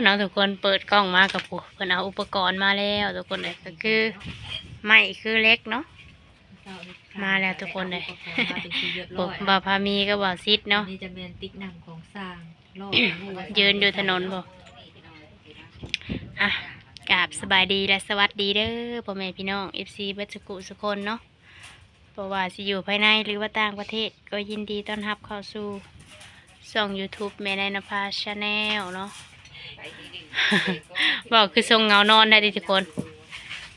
เนาะทุกคนเปิดกล้องมากับผู้เพิ่นเอาอุปกรณ์มาแล้วทุกคนเลยก็คือไม้คือเล็กเนาะมาแล้วทุกคนเลยบ่าวพามีก็บ่าวซิดเนาะนี่จะเป็นติ๊กนำของสร้างยืนอยู่ถนนบ่อ่ะกราบสบายดีและสวัสดีเด้อพ่อแม่พี่น้อง FC เบิดสุขุสุคนเนาะเพราะว่าสิอยู่ภายในหรือว่าต่างประเทศก็ยินดีต้อนรับเข้าสู่ช่อง YouTube แม่นายนภาชาแนลเนาะ บอกคือทรงเงานอนได้ดิทุกคนไป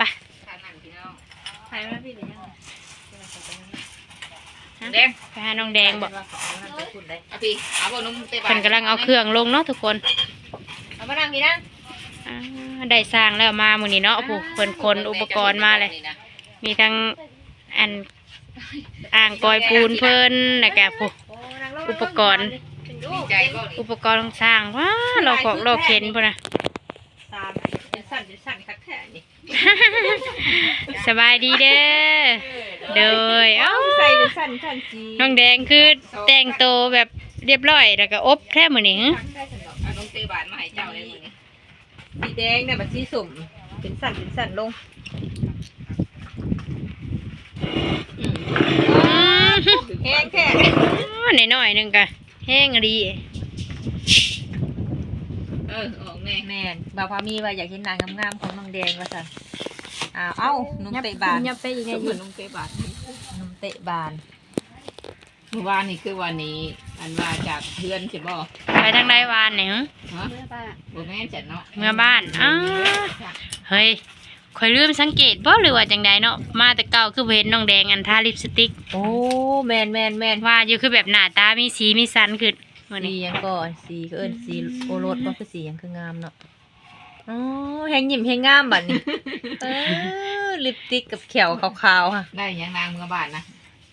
แดงไปหาน้องแดงบอกเพิ่นกำลังเอาเครื่องลงเนาะทุกคนเอามานั่งกี่นั่งได้สร้างแล้วมามื้อนี้เนาะผู้เพิ่นคนอุปกรณ์มาเลยมีทั้งอันอ่างกอยปูนเพิ่นแล้วก็ผู้อุปกรณ์ต้องสร้างว้าเราของเราเข็นพุ่นน่ะสบายดีเด้อเด้อเอ้าน้องแดงคือแต่งโตวแบบเรียบร้อยแล้วก็อบแค่มื้อนี้น้องเตบานมาให้เจ้าเลยมื้อนี้สีแดงเนี่ยบัดสีสุ่มเป็นสั่นลงแห้งแค่น้อยๆนึงก็แห้งดีออกแม่นบ่าวพามีว่าอยากเห็นนางงามๆของน้องแดงว่าซั่นเอ้านุ่มเตะบานยับไปอีกไงอยู่นุ่มเตะบานนุ่มเตะบานเมื่อวานนี่คือวันนี้อันมาจากเพื่อนใช่บ่ไปทางใดวานเนี่ยฮะบ่แม่นจัดเนาะเมื่อบ้านเฮ้ยข่อยลืมสังเกตบ่หรือว่าจังใดเนาะมาแต่เก่าคือเห็นน้องแดงอันทาลิปสติกโอ้แม่นว่าอยู่คือแบบหน้าตามีสีมีสันขึ้นสียังก่อนสีก็สีโอรสบ่คือสียังคืองามเนาะอ๋อแฮงยิ้มแฮงงามบัดนี้ลิปสติกกับแขวขาวๆค่ะได้ยังนางเมื่อบ้านนะ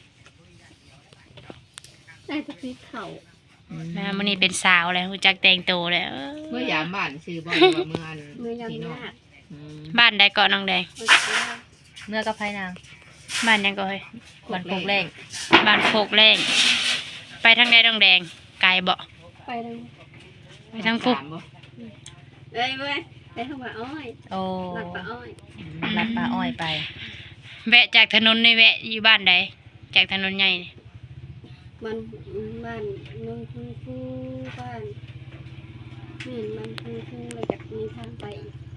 ได้ตะกี้เขามื้อนี้เป็นสาวแล้วรู้จักแต่งตัวแล้วเมื่อยามบ้านชื่อบ่ว่าเมื่ออันพี่น้องบ้านใดเกาะน้องแดงเมื่อกับไผนางบ้านยังก็เฮ้ยบ้านโคกแรงบ้านโคกแรงไปทางใดน้องแดงไกลบ่ไปทางพุกได้เว้ยได้ทางป่าอ้อยโอ้ลัดป่าอ้อยลัดป่าอ้อยไปแวะจากถนนในแวะอยู่บ้านใดจากถนนใหญ่นี่บ้านน้องผู้บ้านนี่มันผู้เลยจากมีทางไป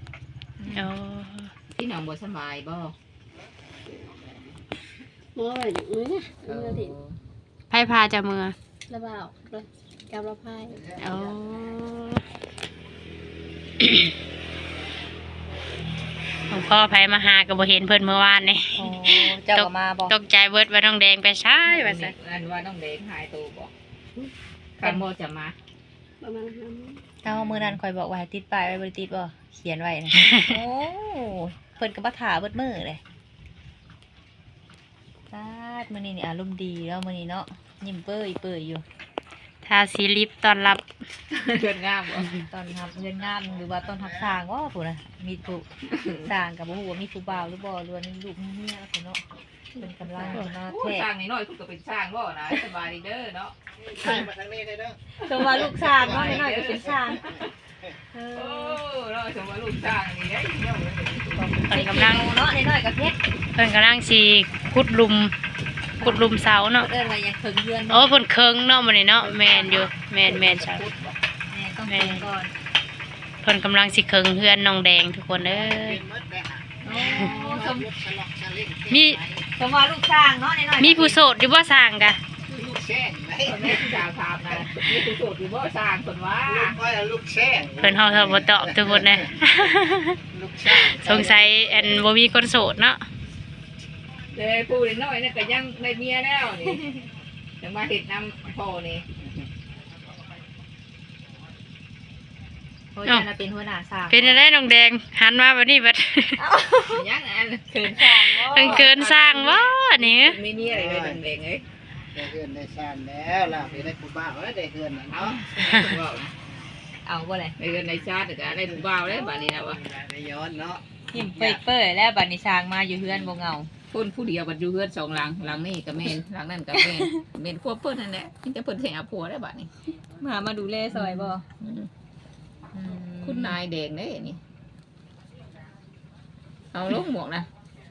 ที่น้องบ่สบายบ่มออะไรอย่างนี้นะเมื่อถึงไผพาจะเมื่อระบ่าวกับระพายหลวงพ่อไผมาหาก็บ่เห็นเพิ่นเมื่อวานนี่เจ้าก็มาบ่ตกใจเบิดว่าน้องแดงไปใช่ว่าซั่นอันว่าน้องแดงหายตัวบ่คันบ่จะมาประมาณมื้อนั้นข่อยบอกว่าให้ติดป้ายไว้บ่ได้ติดบ่เขียนไว้นะโอ้เพิ่นก็บ่ท่าเบิดมื้อเลยมื้อนี้นี่อารมณ์ดีแล้วมื้อนี้เนาะยิ้มเปื่อยอยู่ทาสีลิปต้อนรับเพื่อนงามบ่ต้อนรับเพื่อนงามหรือว่าต้อนรับสร้างว่าผู้น่ะมีผู้สร้างก็บ่ฮู้ว่ามีผู้บ่าวหรือบ่หรือว่ามีลูกมีเมียพุ่นเนาะเป็นกำลังมาแท้สร้างน้อยๆก็เป็นสร้างบ่นะสบายดีเด้อเนาะมาทางนี้ได้เด้อสมว่าลูกสร้างเนาะน้อยก็เป็นสร้างโอ้เนาะสมว่าลูกสร้างนี่เด้เนาะเพิ่นกำลังเนาะน้อยก็เพชรเพิ่นกำลังสิขุดหลุมเสาเนาะเอิ้นว่ายังเคิงเฮือนโอ้เพิ่นเคิงเนาะมื้อนี้เนาะแม่นอยู่แม่นใช่แม่ก่อนเพิ่นกำลังสิเคิงเฮือนน้องแดงทุกคนเอ้ยมีสมว่าลูกสร้างเนาะน้อยมีผู้โสดอยู่บ่สร้างกะลูกแช่ไหมแม่ที่ดาวถามนะมีผู้โสดอยู่บ่สร้างเพิ่นว่าลูกแช่เพิ่นเฮาบ่ตอบทุกคนนะสงสัยอันบ่มีคนโสดเนาะเด้ผู้น้อยๆนี่ก็ยังได้เมียแล้วนี่จะมาเฮ็ดนำพ่อนี่โอ้ยน่ะเป็นหัวหน้าสร้างเป็นอะไรน้องแดงหันมาบัดนี้บัดยังอันเกินสร้างบ่เกินสร้างบ่นี่มีเมียอะไรเลยแดงเอ้ยได้เฮือนได้ซ่านแล้วล่ะไปได้ผู้บ่าวได้เฮือนเนาะเอาบ่เลยได้เฮือนได้ชาติก็ได้ผู้บ่าวแล้วบัดนี้นะว่าได้ย้อนเนาะยิ้มเปื่อยๆแล้วบัดนี้สร้างมาอยู่เฮือนบ่เหงาคนผู้เดียวบัดอยู่เฮือน2หลังหลังนี้ก็แม่นหลังนั้นก็แม่นควบเพิ่นนั่นแหละที่จะเพิ่นสิเอาผัวได้บัดนี้มาดูแลซอยบ่คุณนายแดงเด้นี่เอาลงหมวกนะ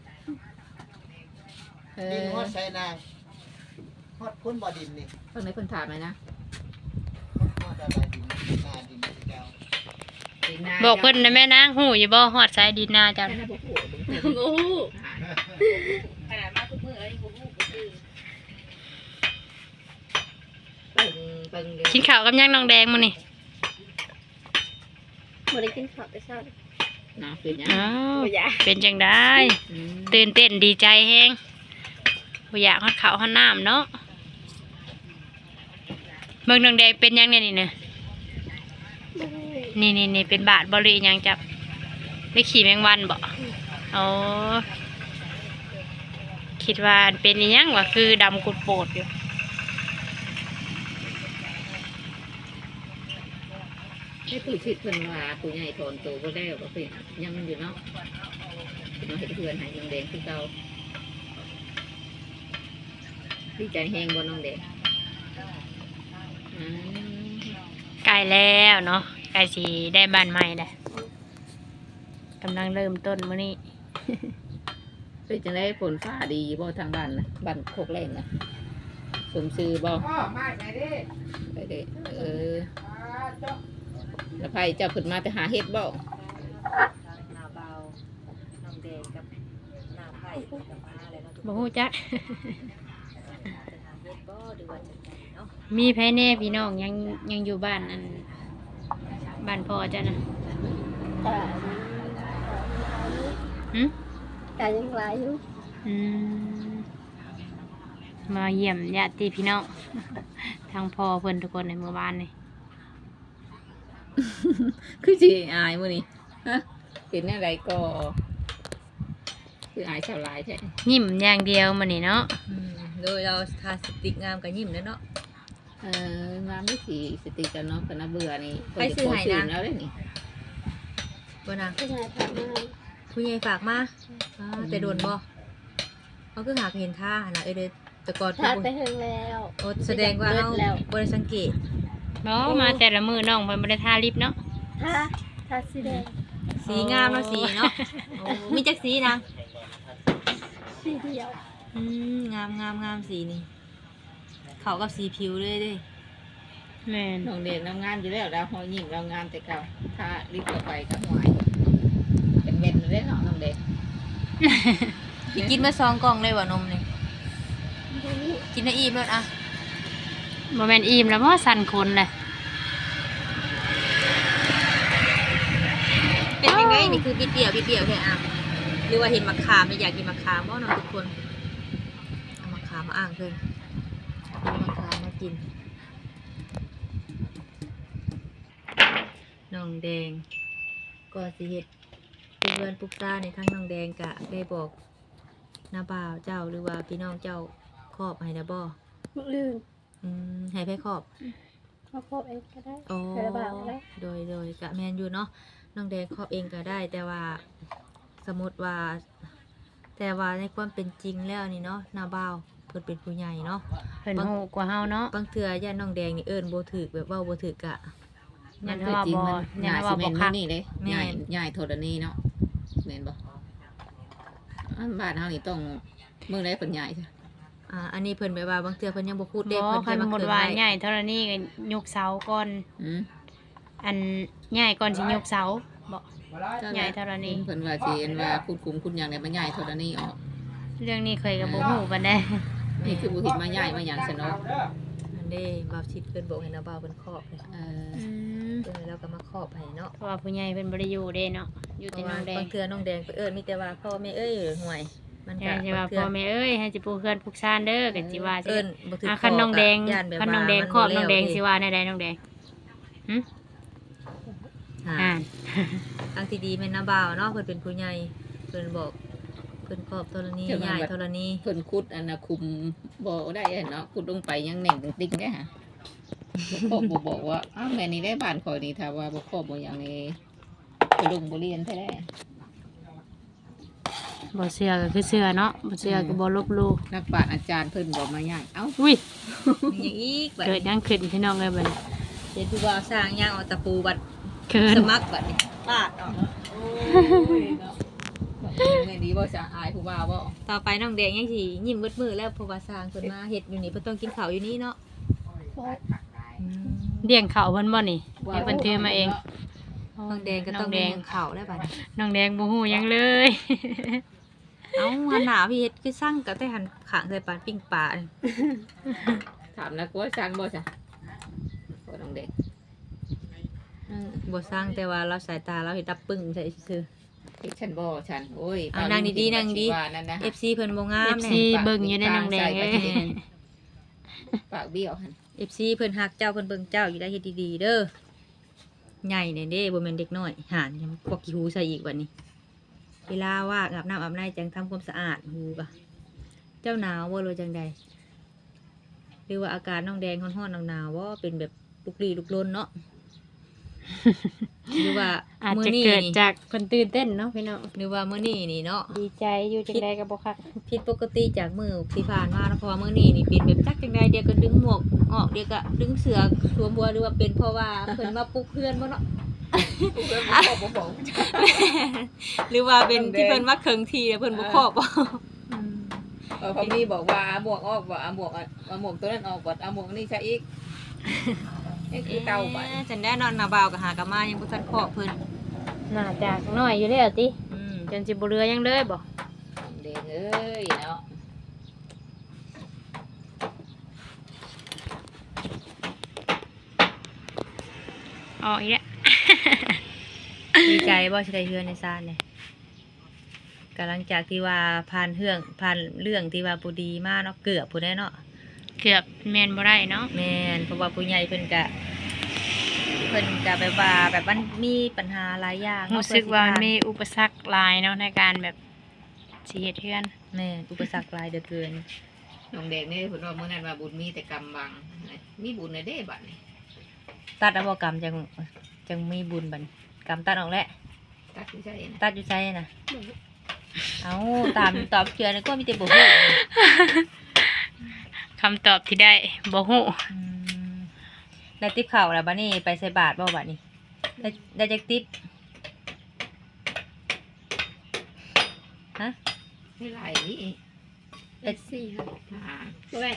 ดินฮอดใส่นางฮอดพ้นบ่อดินนี่เพิ่นไหนเพิ่นถามไหมนะฮอดอะไรดินนาดินเจ้าบอกเพิ่นนะแม่นางหูอยู่บ่ฮอดสายดินนาจ้ะโอ้โหขนาดมาทุกมื้อแล้วยังบ่ฮู้ก็คือเบิ่งเดี๋ยวกินข้าวกับย่างน้องแดงมื้อนี่บ่ได้กินข้าวแต่เช้านะเป็นยังอ้าวบ่อยากเป็นจังได้อืมตื่นเต้นดีใจแฮงบ่อยากฮอดข้าวฮอดน้ำเนาะเบิ่งน้องแดงเป็นยังเนี่ยนี่เน่ะบ่ได้นี่เป็นบาดบ่หรืออิหยังจับได้ขี่แมงวันบ่อ๋อคิดว่าเป็นอิหยังวะคือดำกุดโปดอยู่ให้ผู้ชิดเพิ่นว่าผู้ใหญ่ถอนตัวบ่ได้บ่เป็นยังอยู่เนาะเพิ่นมาเฮ็ดเพื่อนให้น้องแดงคือเก่าดีใจแฮงบ่น้องแดงอืมใกล้แล้วเนาะใกล้สิได้บ้านใหม่แล้วกำลังเริ่มต้นมื้อนี้เป็นจังได๋ฝนฟ้าดีบ่ทางบ้านนะบ้านโคกแรงนะสมชื่อบ่พ่อมาไหนดิไปเด้แล้วไผเจ้าขึ้นมาไปหาเฮ็ดบ่นาเบาน้องแดงกับนาไผ่กับมาแล้วเนาะทุกบ่ฮู้จักจะหาเฮ็ดบ่หรือว่าจังไดเนาะมีไผแน่พี่น้องยังอยู่บ้านอันบ้านพ่อจ้ะนะแต่หึแต่ยังหลายอยู่อืมมาเยี่ยมญาติพี่น้อง ทางพ่อเพิ่นทุกคนในหมู่บ้านนี่คือสิอายมื้อนี้ฮะเป็นแนวใดก็คืออายชาวหลายแท้ยิ้มอย่างเดียวมื้อนี้เนาะโดยเราทาสติกงามกับยิ้มเด้อเนาะมาไม่สีสติกันเนาะคณะเบื่อนี่ไปซื้อให้นะแล้วได้นี่บ่นางผู้ชายถามมาผู้ใหญ่ฝากมาแต่โดนบ่เขาคือหากเห็นท่านะเด้อแต่ก่อนถ้าไปถึงแล้วโอ้แสดงว่าเฮาแล้วบ่ได้สังเกตบ่มาแต่ละมื้อน้องเพิ่นบ่ได้ทาลิปเนาะถ้าสีแดงสีงามเนาะสีเนาะโอ้มีจักสีนางสีเดียวงามสีนี่เข้ากับสีผิวเลยเด้แม่นน้องเด็กน้ำงานอยู่แล้วดาวหอยยิ่งเรางานแต่เก่าถ้ารีบต่อไปก็หวยเป็นเม็ดเลยเนาะน้องเด็กสิกินมา2กล่องเลยว่านมนี่บ่รู้กินได้อิ่มแล้วอ่ะบ่แม่นอิ่มแล้วบ่สั่นคนเลยเป็นยังไงนี่คือบิดเดี่ยวแค่อ่ะหรือว่าเห็นมะขามอยากกินมะขามบ่เนาะทุกคนเอามะขามมาอ่างเพิ่นเอามะขามมากินน้องแดงก็สิเฮ็ดปลูกเรือนปลูกซ่านในทั้งน้องแดงกะได้บอกน้าบ่าวเจ้าหรือว่าพี่น้องเจ้าครอบให้นะบ่มึกลืมให้ไปครอบมาพบเองก็ได้โอ้ใส่ระบาดได้โดยกะแมนอยู่เนาะน้องแดงครอบเองก็ได้ แต่ว่าสมมติว่า แต่ว่าในความเป็นจริงแล้วนี่เนาะน้าบ่าวเพิ่นเป็นผู้ใหญ่เนาะเพิ่นฮู้กว่าเฮาเนาะบางเทื่อย่าน้องแดงนี่เอิ้นบ่ถูกแบบเว้าบ่ถูกกะยัมันนคือว่าจริงบ่มันยัใหนญ่ว่าสิบ่เมนคักนี่เลยแม่นใหญ่โทรนีเนาะเมนบ่อันบ้านเฮานี่ต้องเมื่อไรเป็นใหญ่ใช่อันนี้เพิ่นแบบว่าบางเทื่อเพิ่นยังบ่พูดเด้บ่เพิ่นคันแค่มาหมดเคินว่าไว้ใหญ่เท่านี้ก็ยกเสาก่อนอืมอันใหญ่ก่อนสิยกเสาบ่ใหญ่เท่านี้เพิ่นว่าสิเห็นว่าคุณคุมคุณอย่างเนี่ยมันใหญ่โทรนีออกเรื่องนี้เคยกับบ่ฮู้ปานใดนี่คือบุหิตมาใหญ่มาอย่างซะเนาะอันเด้บ่าวชิดเพิ่นบอกให้น้าบ่าวเพิ่นครอบเลยเอออืมเพิ่นแล้วก็มาครอบให้เนาะเพราะว่าผู้ใหญ่เพิ่นบ่ได้อยู่เด้เนาะอยู่เพแต่ราะน้ว่าองแดงบางเทื่อน้องแดงไปเอิ้นมีแต่ว่าพ่อแม่เอ้ยห่วย มันใช่ก็สิว่าบางเทื่พ่อแม่เอ้ยให้สิปลูกเฮือนปลูกซ่านเด้อก็สิว่าสิเอิ้นบ่ถูกคันน้องแดงย่านแบบคันว่าน้องแดงมันครอบบ่น้องแดงแล้วสิว่าแนวใดน้องแดงหึอ่าอ่าทางที่ดีแม่นน้าบ่าวเนาะเพิ่นเป็นผู้ใหญ่เพิ่นบอกเพิ่นครอบธรณีใหญ่ธรณีเพิ่นคุดอันน่ะคุมบ่ได้เนาะคุดลงไปยังแหน่งติ๊งได้ฮะบ่บอกว่าอ้าวแม่นี่ได้บ้านข่อยนี่ถ้าว่าบ่ครอบบ่อย่างนี้ไปลงบ่เรียนแท้บ่เชื่อก็คือเชื่อเนาะบ่เชื่อก็บ่ลบหลู่นักปราชญ์อาจารย์เพิ่นบอกมาใหญ่เอ้าอุ้ยมีหยังอีกบัดเกิดหยังขึ้นพี่น้องเอ้ยบัดนี้เห็นผู้บ่าวสร้างย่างเอาตะปูบัดเกินสมัครบัดนี้ปาดออกโอ้ยเนาะแม่ดีบ่จะอายผู้บ่าวบ่ต่อไปน้องแดงยังสิยิ้มเบิดมือแล้วเพราะว่าสร้างเพิ่นมาเฮ็ดอยู่นี่เพิ่นต้องกินข้าวอยู่นี่เนาะอืมเลี้ยงเขาเพิ่นบ่นี่ให้เพิ่นถือมาเองน้องแดงก็ต้องน้แดเลี้งยงข้าวแล้วบัดนี้น้องแดงบ่ฮู้หยังเลยเอ้าหันหน้าพี่เฮ็ดคือสั่งก็แต่หันข้างใส่ปานปิ้งปลานี่ถามนะกูว่าสั่งบ่จ้ะบ่น้องเด็กบ่สั่งแต่ว่าเราสายตาเราเฮ็ดดับปึ้งใส่ซื่อที่ฉันบ่ฉันโอ้ยเอานั่งดีๆนั่งดีว่านั่นนะๆ FC เพิ่นบ่งาม FC แน่เบิ่งอยู่ในน้องแดงเอ้ยปากเบี้ยวหั่น FC เพิ่นฮักเจ้าเพิ่นเบิ่งเจ้าอยู่ได้เฮ็ดดีๆเด้อใหญ่แน่เด้บ่แม่นเด็กน้อยหานยังพวกขี้หูใส่อีกบัดนี้ เวลาว่าอาบน้ำอาบในจังทำความสะอาดหูกะเจ้าหนาวบ่รู้จังใดหรือว่าอาการน้องแดงฮ้อนๆหนาวๆว่าเป็นแบบลุกลี้ลุกลนเนาะ หรือว่าอาจมื้อจะนี้เกิดนี่จากเพิ่นตื่นเต้นเนาะพี่น้องหรือว่ามื้อนี้นี่เนาะดีใจอยู่จังได๋ก็บ่คักผิดปกติจากมื้อที่ผ่านมาเนาะเพราะว่ามื้อนี้นี่เป็นแบบจักจังใดเดี๋ยวก็ดึงหมวกออกเดี๋ยวก็ดึงเสื้อสวมบัวหรือว่าเป็นเพราะว่าเพิ่นมาปลุกเพื่อนบ่เนาะกูก็บ่บอกหรือว่าเป็นที่เพิ่นมาเคิงทีแล้วเพิ่นบ่ครอบบ่พอมีบอกว่าเอาหมวกออกบ่เอาหมวกตัวนั้นออกบ่เอาหมวกนี่ใส่อีกนี่คือเตาบัดฉันได้นอนหน้าบ่าวก็หากะมายังบ่ทันครอบเพิ่นน่าจะน้อยอยู่แล้วติอืมจนสิบ่เหลือหยังเลยบ่เด็กเอ้ยเนาะออกอีกแล้วดีใจบ่สิได้เฮือนในซานเนี่ยกำลังจากที่ว่าผ่านเรื่องที่ว่าบ่ดีมาเนาะเกือบผู้ได้เนาะเกือบแม่นบ่ได้เนาะแม่นเพราะว่าผู้ใหญ่เพิ่นก็แบบว่าแบบมันมีปัญหาหลายอย่างเนะรู้สึกว่ามันมีเพื่อสิอุปสรรคหลายเนาะในการแบบสิเฮ็ดเฮือนผ่านแม่นอุปสรรคหลายเหลือเกินน้องเด็กนี่เพิ่นว่ามื้อนั้นว่าบุญมีแต่กรรมบังมีบุญในเด้บัดนี้ตัดเอาบ่กรรมจังมีบุญบัดนี้กรรมตัดออกแล้วตัดสิใช่นะตัดอยู่ใจน่ะเอาตามตอบเชื่อนี่ก็มีแต่บ่ฮู้คำตอบที่ได้บ่ฮู้อืมได้ติ๊บข้าวแล้วบัดนี้ไปใส่บาตรบ่บัดนี้ได้จักติ๊บฮะไม่หลายนี่เป็นสี่ค่ะอ่าด้วย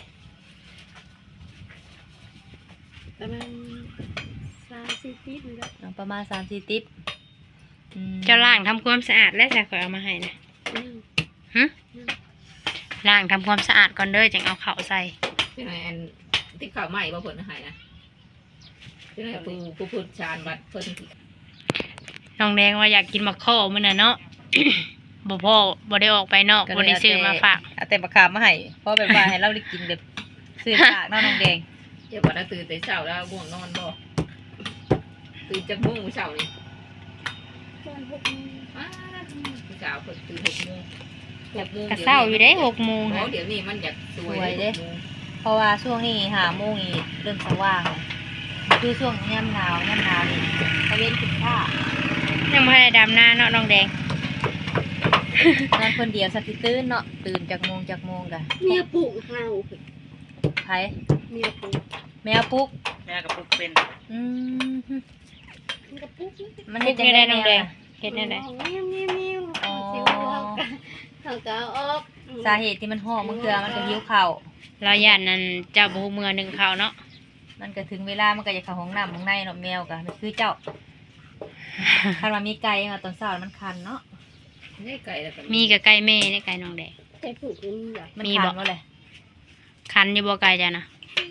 ประมาณ3-4ปีนี่แหละเอาประมาณ3-4ติ๊บอืมเจ้าล้างทำความสะอาดแล้วจะค่อยเอามาให้นะยังหึล้างทำความสะอาดก่อนเด้อจังเอาข้าวใส่ที่ไหนอันที่ข้าวใหม่บ่เพิ่นให้นะที่ไหนผู้พูดชาญบัดเพิ่นน้องแดงว่าอยากกินมะข้อมื้อน่ะเนาะ บ่พอบ่ได้ออกไปนอกบ่ได้ซื้อมาฝากเอาแต่มะขามมาให้เพราะแบบว่าให้เราได้กินแบบซื้อฝากเนาะน้องแดงอย่าบ่ได้ตื่นแต่เช้าแล้วง่วงนอนบ่ตื่นจักโมงมื้อเช้านี่ตอน6 โมงอ้ามื้อเช้าเพิ่นตื่น6 โมง6 โมงก็เช้าอยู่เด้6 โมงโอ้ค่ะเดี๋ยวนี้มันอยากสวยเด้เพราะว่าช่วงนี้5 โมงนี่เริ่มสว่างแล้วคือช่วงยามหนาวนี่ตะเวนขึ้นผ้ายังบ่ได้ดำนาเนาะน้องแดงนอนคนเดียวสักทีตื่นเนาะตื่นจากโมงกะเมียปลูกเฮาไผเมียปลูกแมวปลุกแม่กับปุกเป็นอืมมันก็ปลูกอยู่มันเฮ็เฮ็ดดจัจังงได๋ได๋น้น้ออง งแดแดงงเฮ็ดจังได๋เขาก็เอาออกเขาก็เอาออกสาเหตุที่มันห่อมันคือมันก็หิวข้าวเราย่านนั้นเจ้าบ่ฮู้มื้อหนึงข้าวเนาะมันก็ถึงเวลามันก็จะเข้าห้องน้ำข้างในเนาะแมวก็มันคือเจ้า คันว่ามีไก่มาตอนเช้ามันคันเนาะนี่ไก่แล้วก็มีกับไก่แม่นี่ไก่น้องแดงแต่ปลูกมันใหญ่มันมีคับ่นว่าเลยคันอยู่บ่ไก่จ้ะนะ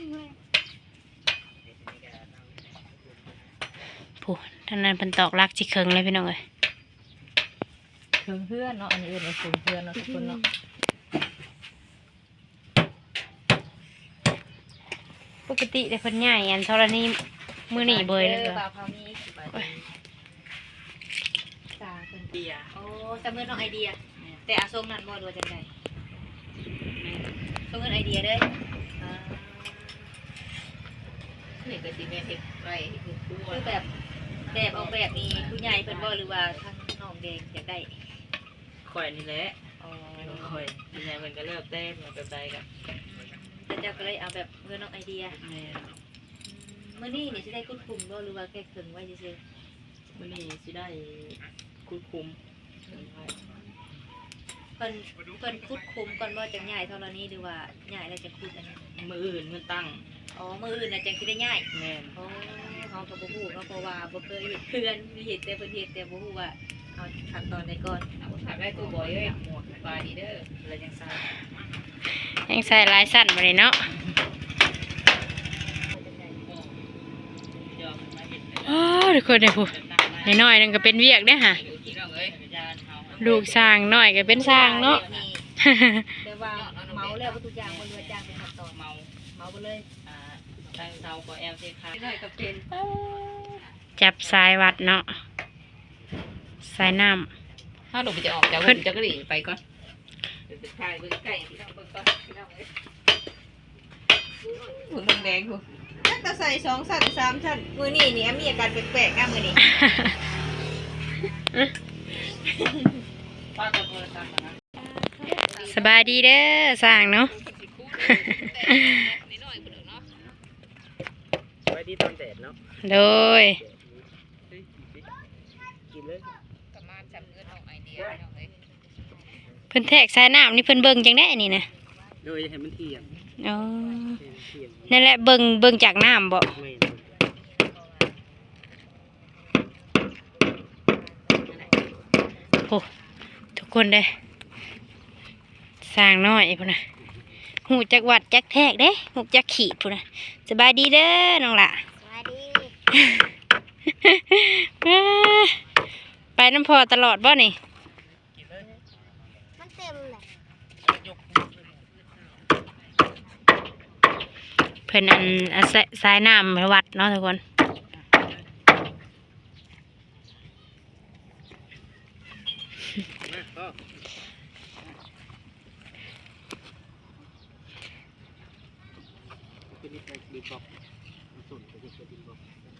ผู้ท่านนั้นเพิ่นตอกลักสิเคิงเลยพี่น้องเอ้ยถึงเพื่อนเนาะอันนี้เอื่นว่าถึงเพื่อนเนาะทุกคนเนาะปกติแต่เพิ่นย้ายอันธรณีมื้อนี้เบยเลยบ่าค่ะวพามีสิบาทตาเพิ่นเดียโอ้จำเงินน้องไอเดีย แต่อาทรงนั้นบ่ดูจังไดทรงเงินไอเดียเด้ออ่านี่ก็สิแม่เฮ็ดไว้คือครัวคือแบบออกแบบนี้ผู้ใหญ่เพิ่นบ่หรือว่าทางน้องแดงอยากได้ข่อยนี่แหละอ๋อข่อยยังไงมันก็เลิกเต้นมันก็ไปกับแต่เจ้าก็เลยเอาแบบเงินน้องไอเดียแม่มื้อนี้นี่สิได้คุ้มบ่หรือว่าแค่ครึ่งไว้ซื่อมื้อนี้สิได้คุดคุมเพิ่นคุดคุมก่อนว่าจะย้ายเท่านี้หรือว่าย้ายแล้วจะคุดอันนี้มืออื่นมือตั้งอ๋อมื้ออื่นน่ะจังสิได้ย้ายแม่นอ๋อเฮาก็บ่ฮู้เนาะเพราะว่าบ่เคยเฮ็ดเพื่อนมีเฮ็ดแต่เพิ่นเฮ็ดแต่บ่ฮู้ว่าเอาขั้นตอนใดก่อนเอาถามได้ตัวบ่อยเอ้ยหมดปลาดีเด้อแล้วยังซ่ายังใส่ลายสั้นมาเลยเนาะอ๋อทุกคนเลยผู้น้อยๆนึงก็เป็นเวียกเด้อค่ะพี่น้องเอ้ยลูกสร้างน้อยก็เป็นสร้างเนาะแต่ว่าเมาแล้วทุกอย่างมันว่าจ้างเป็นขั้นตอนเมาไปเลยตั้งเตาก็แอลเซคาได้ก็เป็นจับสายวัดเนาะสายน้ถ้าลงไปจะออกจากผมจะกระดิ่งไปก่อนเดี๋ยวถ่ายเบิ่งใกล้พี่น้องเบิ่งก่อนพี่น้องเอ้ยหุ่นแดงๆหุ่นถ้าใส่2ชั้น3ชั้นมื้อนี้นี่มีอาการแปลกๆอ่ะมื้อนี้ป้าก็โทรศัพท์นะำสบายดีเด้อสร้างเนาะไว้ที่ตอนแดดเนาะโดยกินเลยประมาณจำเงินเอาไอเดียพี่น้องเอ้ยเพิ่นแทกสายน้ำนี่เพิ่นเบิ่งจังได้นี่นะโดยให้มันเที่ยงอ๋อให้มันเที่ยงนั่นแหละเบิ่งจากน้ำบ่ไม่โอ้ทุกคนเด้สร้างน้อยพุ่นน่ะหูจักวัดจักแทกเด้หูจักขีดพุ่นน่ะสบายดีเด้อน้องล่ะสวัสดีไปน้ำพอตลอดบ่นี่มันเต็มเลยเพิ่นอันสายน้ำวัดเนาะทุกคนนะก็เป็นนิดดีบอกส่วนเป็นนิดบอก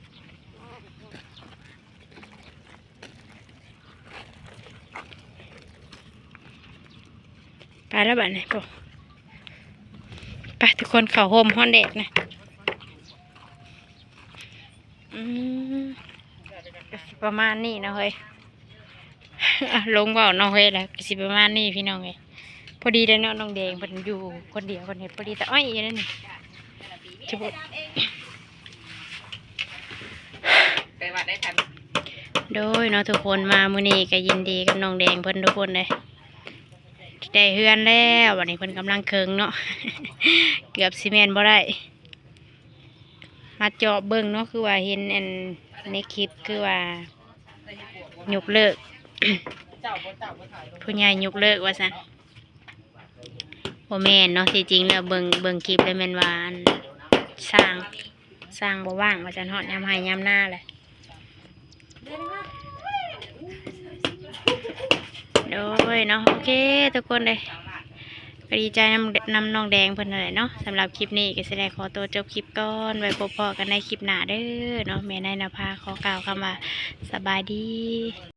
ไปแล้วบัดนี้ปุ๊ไปทุกคนเข้าโฮมฮ้อนแดดนะก็สิประมาณนี้เนาะเฮ้ย ลงเว่าเนาะเฮ้ยแล้วก็สิประมาณนี้พี่น้องเอ้ยพอดีเลยเนาะน้องแดงเพิ่นอยู่คนเดียวคนเฮ็ดพอดีแต่อ้อยอยู่นั่นนี่จะบอกไปวัดได้ทันโดยเนาะทุกคนมามื้อนี้ก็ยินดีกับน้องแดงเพิ่นทุกคนเลยได้เฮือนแล้ววันนี้เพิ่นกำลังเคิงเนาะ เกือบสิแม่นบ่ได้ มาเจาะเบิ่งเนาะคือว่าเห็นอันในคลิปคือว่ายกเลิก ผู้ใหญ่ยกเลิกว่าซั่นบ่แม่นเนาะที่จริงแล้วเบิ่งคลิปแล้วแม่นว่าอันสร้างบ่ว่างว่าซั่นฮอดยามให้ยามหน้าแหละโดยเนาะโอเคทุกคนเลยก็ดีใจนำน้องแดงเพิ่นนั่นแหละเนาะสำหรับคลิปนี้ก็สิได้ขอตัวจบคลิปก่อนไว้พบกันในคลิปหน้าเด้อเนาะแม่นายนภาขอกล่าวคำว่าสบายดี